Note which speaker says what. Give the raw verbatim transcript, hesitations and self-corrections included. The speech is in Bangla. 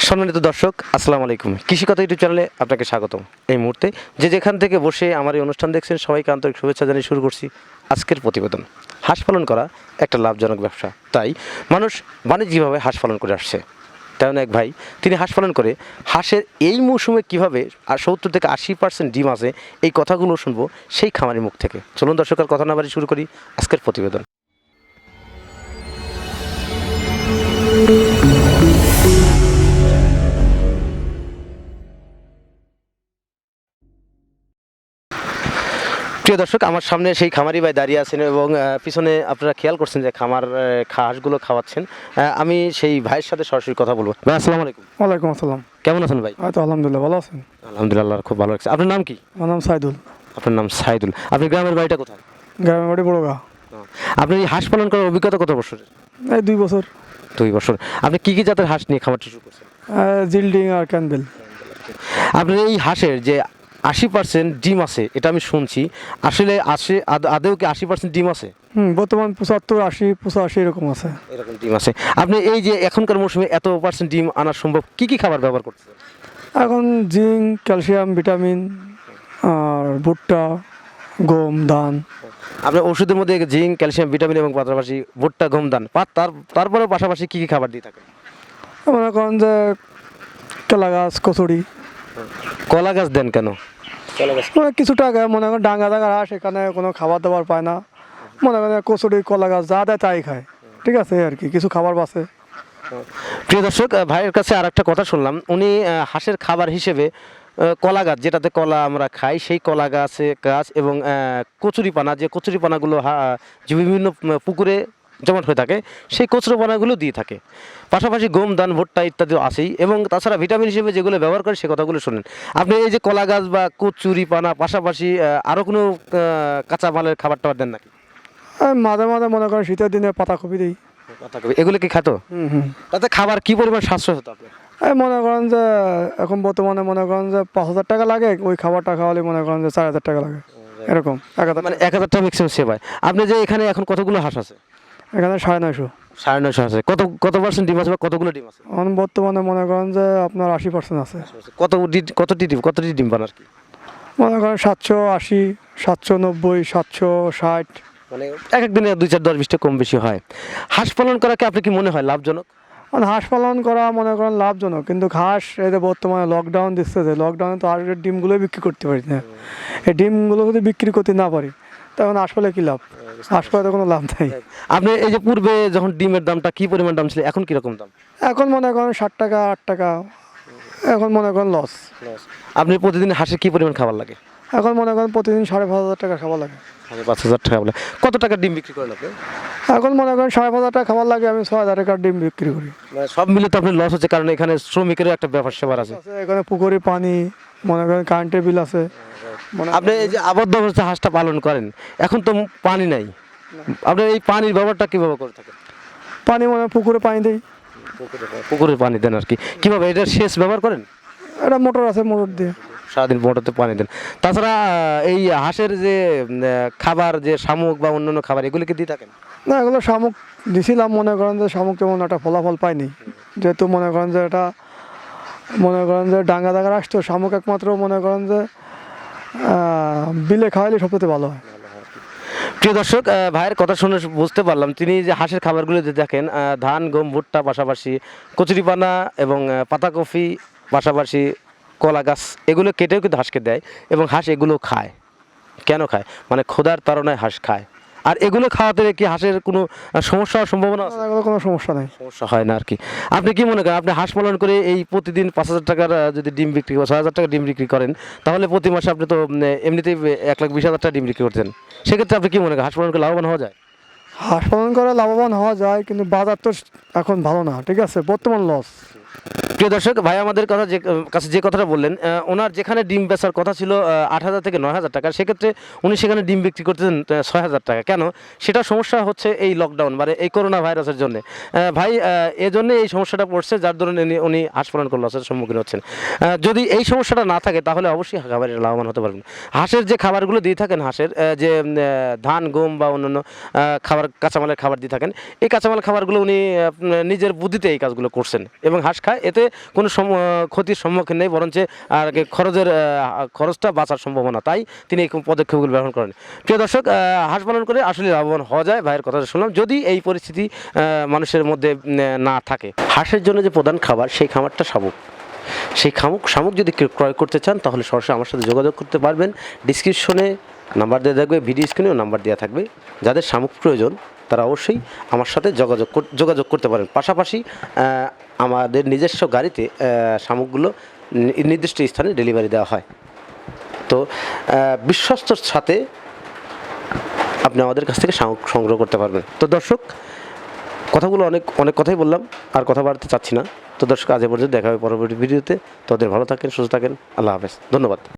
Speaker 1: সম্মানিত দর্শক, আসসালামু আলাইকুম। কৃষিকথা ইউটিউব চ্যানেলে আপনাকে স্বাগতম। এই মুহূর্তে যে যেখান থেকে বসে আমার এই অনুষ্ঠান দেখছেন, সবাইকে আন্তরিক শুভেচ্ছা জানিয়ে শুরু করছি আজকের প্রতিবেদন। হাঁস পালন করা একটা লাভজনক ব্যবসা, তাই মানুষ বাণিজ্যিকভাবে হাঁস পালন করে আসছে। তেমন এক ভাই, তিনি হাঁস পালন করে হাঁসের এই মৌসুমে কীভাবে আর সত্তর থেকে আশি পার্সেন্ট ডিম আছে, এই কথাগুলো শুনবো সেই খামারের মুখ থেকে। চলুন দর্শকের কথা না বাড়ি শুরু করি আজকের প্রতিবেদন। প্রিয় দর্শক, আমার সামনে সেই খামারি ভাই দাঁড়িয়ে আছেন এবং পিছনে আপনারা খেয়াল করছেন যে খামার হাঁসগুলো খাওয়াচ্ছেন। আমি সেই ভাইয়ের সাথে সরাসরি কথা বলবো। ভাই, আসসালামু আলাইকুম।
Speaker 2: ওয়ালাইকুম আসসালাম।
Speaker 1: কেমন আছেন ভাই?
Speaker 2: হয়তো আলহামদুলিল্লাহ, ভালো আছেন?
Speaker 1: আলহামদুলিল্লাহ, খুব ভালো লাগছে। আপনার নাম কি?
Speaker 2: আমার নাম সাইদুল।
Speaker 1: আপনার নাম সাইদুল। আপনি গ্রামের বাড়িটা কোথায়?
Speaker 2: গ্রামের বাড়ি বড়গা।
Speaker 1: আপনি এই হাঁস পালন করার অভিজ্ঞতা কত বছরের?
Speaker 2: এই দুই বছর।
Speaker 1: দুই বছর। আপনি কি কি জাতের হাঁস নিয়ে খামারটি শুরু করছেন?
Speaker 2: জিল্ডিং আর ক্যানবেল।
Speaker 1: আপনার এই হাঁসের যে আশি পার্সেন্ট ডিম আছে, এটা আমি শুনছি, আসলে আসে আদেও কি আশি পার্সেন্ট ডিম আছে?
Speaker 2: হুম, বর্তমান পঁচাত্তর আশি পঁচাশি এরকম আছে।
Speaker 1: এরকম ডিম আছে। আপনি এই যে এখনকার মৌসুমে এত পার্সেন্ট ডিম আনা সম্ভব, কি কি খাবার ব্যবহার করছেন?
Speaker 2: এখন জিঙ্ক, ক্যালসিয়াম, ভিটামিন আর ভুট্টা, গম, ধান।
Speaker 1: আপনার ওষুধের মধ্যে জিঙ্ক, ক্যালসিয়াম, ভিটামিন এবং পাশাপাশি ভুট্টা, গম, ধান, তার তারপরেও পাশাপাশি কী কী খাবার দিয়ে থাকেন?
Speaker 2: মনে করেন যে কেলা গাছ, কচুরি।
Speaker 1: কলা গাছ দেন কেন? কলা গাছ
Speaker 2: মানে কিছু টাকা মনে করেন ডাঙ্গা ডাঙ্গা হাঁস, এখানে কোনো খাবার দাবার পায় না, মনে করেন কচুরি, কলা গাছ যা দেয় তাই খায়। ঠিক আছে, আর কি কিছু খাবার বাঁচে।
Speaker 1: প্রিয় দর্শক, ভাইয়ের কাছে আর একটা কথা শুনলাম, উনি হাঁসের খাবার হিসেবে কলা গাছ, যেটাতে কলা আমরা খাই, সেই কলা গাছে গাছ এবং কচুরি পানা, যে কচুরি পানাগুলো যে বিভিন্ন পুকুরে জমাট হয়ে থাকে, সেই কচুরি পানাগুলো দিয়ে থাকে। পাশাপাশি গম, ধান, ভুট্টা ইত্যাদি আছেই, এবং তাছাড়া ভিটামিন হিসেবে যেগুলো ব্যবহার করে সে কথাগুলো শুনেন। আপনি এই যে কলা গাছ বা কচুরি পানা, পাশাপাশি আরও কোনো কাঁচা মালের খাবার টাবার দেন নাকি?
Speaker 2: মাঝে মাঝে মনে করেন শীতের দিনে পাতাকপি দিই।
Speaker 1: পাতাকপি এগুলো কি খাতো? হুম হুম। তাতে খাবার কি পরিমাণ সাশ্রয় হতো আপনার?
Speaker 2: এই মনে করেন যে এখন বর্তমানে মনে করেন যে পাঁচ হাজার টাকা লাগে, ওই খাবারটা খাওয়ালে মনে করেন যে চার হাজার টাকা লাগে, এরকম এক হাজার,
Speaker 1: মানে এক হাজার টাকা ম্যাক্সিমাম সেবায়। আপনি যে এখানে এখন কতগুলো হাঁস আছে?
Speaker 2: এখানে সাড়ে নয়শো।
Speaker 1: সাড়ে নয়শো আছে। কত কত পার্সেন্ট ডিম আছে বা কতগুলো ডিম আছে?
Speaker 2: এখন বর্তমানে মনে করেন যে আপনার আশি পার্সেন্ট আছে।
Speaker 1: কত কতটি ডিম কতটি ডিম পান আর কি?
Speaker 2: মনে করেন সাতশো আশি, সাতশো নব্বই, সাতশো ষাট।
Speaker 1: মানে এক এক দিনে দুই চার দশ বিশটা কম বেশি হয়। হাঁস পালন করাকে আপনি কি মনে হয় লাভজনক?
Speaker 2: মানে হাঁস পালন করা মনে করেন লাভজনক, কিন্তু হাঁস এই যে বর্তমানে লকডাউন দিচ্ছে, যে লকডাউনে তো হাঁসের ডিমগুলোই বিক্রি করতে পারি না। এই ডিমগুলো যদি বিক্রি করতে না পারি, তখন হাঁস পালে কী লাভ? হাঁস পালে তো কোনো লাভ নেই।
Speaker 1: আপনি এই যে পূর্বে যখন ডিমের দামটা কি পরিমাণ দাম ছিল, এখন কীরকম দাম?
Speaker 2: এখন মনে করেন ষাট টাকা, আট টাকা। এখন মনে করেন লস।
Speaker 1: আপনি প্রতিদিন হাঁসের কী পরিমাণ খাবার লাগে?
Speaker 2: এখন মনে করেন প্রতিদিন সাড়ে পাঁচ হাজার টাকা খাবার লাগে।
Speaker 1: সাড়ে পাঁচ হাজার টাকা বলে কত টাকা ডিম বিক্রি করেন আপনি?
Speaker 2: এখন মনে করেন সাড়ে পাঁচ হাজার টাকা খাবার লাগে, আমি ছয় হাজার টাকার ডিম বিক্রি করি।
Speaker 1: মানে সব মিলে তো আপনার লস হচ্ছে, কারণ এখানে শ্রমিকেরও একটা ব্যাপার স্যাপার আছে।
Speaker 2: এখানে পুকুরে পানি, মনে করেন কারেন্টের বিল আছে।
Speaker 1: আপনি এই যে আবদ্ধ অবস্থায় হাঁসটা পালন করেন, এখন তো পানি নাই, আপনি এই পানির ব্যবহারটা কীভাবে করে থাকেন?
Speaker 2: পানি মানে পুকুরে পানি দেই।
Speaker 1: পুকুরের পানি দেন আর কি? কীভাবে এটা সেচ ব্যবহার করেন?
Speaker 2: এটা মোটর আছে, মোটর দিয়ে
Speaker 1: সারাদিন মোটরতে পানি দেন। তাছাড়া এই হাঁসের যে খাবার, যে শামুক বা অন্যান্য খাবার, এগুলো কি দিয়ে থাকেন?
Speaker 2: না, এগুলো শামুক দিছিলাম, মনে করেন যে শামুক তেমন একটা ফলাফল পাইনি, যেহেতু মনে করেন যে এটা মনে করেন যে ডাঙ্গা ডাঙ্গা আসতো। শামুক একমাত্র মনে করেন যে বিলে খাওয়াইলে সবচেয়ে ভালো হয়।
Speaker 1: প্রিয় দর্শক, ভাইয়ের কথা শুনে বুঝতে পারলাম তিনি যে হাঁসের খাবারগুলো যে দেখেন, ধান, গম, ভুট্টা, পাশাপাশি কচুরিপানা এবং পাতাকপি, পাশাপাশি কলা গাছ, এগুলো কেটেও কিন্তু হাঁসকে দেয় এবং হাঁস এগুলো খায়। কেন খায়? মানে ক্ষুধার তাড়নায় হাঁস খায়। আর এগুলো খাওয়াতে কি হাঁসের কোনো সমস্যা হওয়ার সম্ভাবনা আছে?
Speaker 2: এগুলো কোনো সমস্যা নেই,
Speaker 1: সমস্যা হয় না আর কি। আপনি কি মনে করেন, আপনি হাঁস পালন করে এই প্রতিদিন পাঁচ হাজার টাকার যদি ডিম বিক্রি করেন, ছয় হাজার টাকা ডিম বিক্রি করেন, তাহলে প্রতি মাসে আপনি তো এমনিতেই এক লাখ বিশ হাজার টাকা ডিম বিক্রি করছেন। সেক্ষেত্রে আপনি কি মনে করেন হাঁস পালন করে লাভবান হওয়া যায়?
Speaker 2: হাঁস পালন করে লাভবান হওয়া যায়, কিন্তু বাজার তো এখন ভালো না। ঠিক আছে, বর্তমান লস।
Speaker 1: প্রিয় দর্শক, ভাই আমাদের কথা যে কাছে যে কথাটা বললেন, ওনার যেখানে ডিম বেচার কথা ছিল আট হাজার থেকে নয় হাজার টাকা, সেক্ষেত্রে উনি সেখানে ডিম বিক্রি করতেছেন ছয় হাজার টাকা। কেন? সেটা সমস্যা হচ্ছে এই লকডাউন, মানে এই করোনা ভাইরাসের জন্য। ভাই এজন্য এই সমস্যাটা পড়ছে, যার দরুন উনি হাঁস পালন করে লসের সম্মুখীন হচ্ছেন। যদি এই সমস্যাটা না থাকে, তাহলে অবশ্যই খাবারের লাভবান হতে পারবেন। হাঁসের যে খাবারগুলো দিয়ে থাকেন, হাঁসের যে ধান, গম বা অন্যান্য খাবার, কাঁচামালের খাবার দিয়ে থাকেন, এই কাঁচামাল খাবারগুলো উনি নিজের বুদ্ধিতে এই কাজগুলো করছেন এবং হাঁস খায়, এতে কোনো সম- ক্ষতির সম্মুখীন নেই, বরঞ্চ আর কি খরচের আহ, খরচটা বাঁচার সম্ভাবনা, তাই তিনি এই পদক্ষেপগুলো গ্রহণ করেন। প্রিয় দর্শক, আহ, হাঁস পালন করে আসলে লাভবান হওয়া যায়, ভাইয়ের কথা শুনলাম, যদি এই পরিস্থিতি আহ, মানুষের মধ্যে উম, না থাকে। হাঁসের জন্য যে প্রধান খাবার, সেই খাবারটা শামুক। সেই খামুক শামুক যদি কেউ ক্রয় করতে চান, তাহলে সরাসরি আমার সাথে যোগাযোগ করতে পারবেন। ডিসক্রিপশনে নাম্বার দেওয়া থাকবে, ভিডিও স্ক্রিনেও নাম্বার দেওয়া থাকবে। যাদের শামুক প্রয়োজন তারা অবশ্যই আমার সাথে যোগাযোগ কর- যোগাযোগ করতে পারেন। পাশাপাশি আহ, আমাদের নিজস্ব গাড়িতে আহ, শামুকগুলো নি- নির্দিষ্ট স্থানে ডেলিভারি দেওয়া হয়। তো আহ, বিশ্বস্তর সাথে আপনি আমাদের কাছ থেকে শামুক সংগ্রহ করতে পারবেন। তো দর্শক, কথাগুলো অনেক অনেক কথাই বললাম, আর কথা বাড়তে চাচ্ছি না। তো দর্শক, আজ এ পর্যন্ত দেখা হবে পরবর্তী ভিডিওতে। তোদের ভালো থাকেন, সুস্থ থাকেন, আল্লাহ হাফেজ, ধন্যবাদ।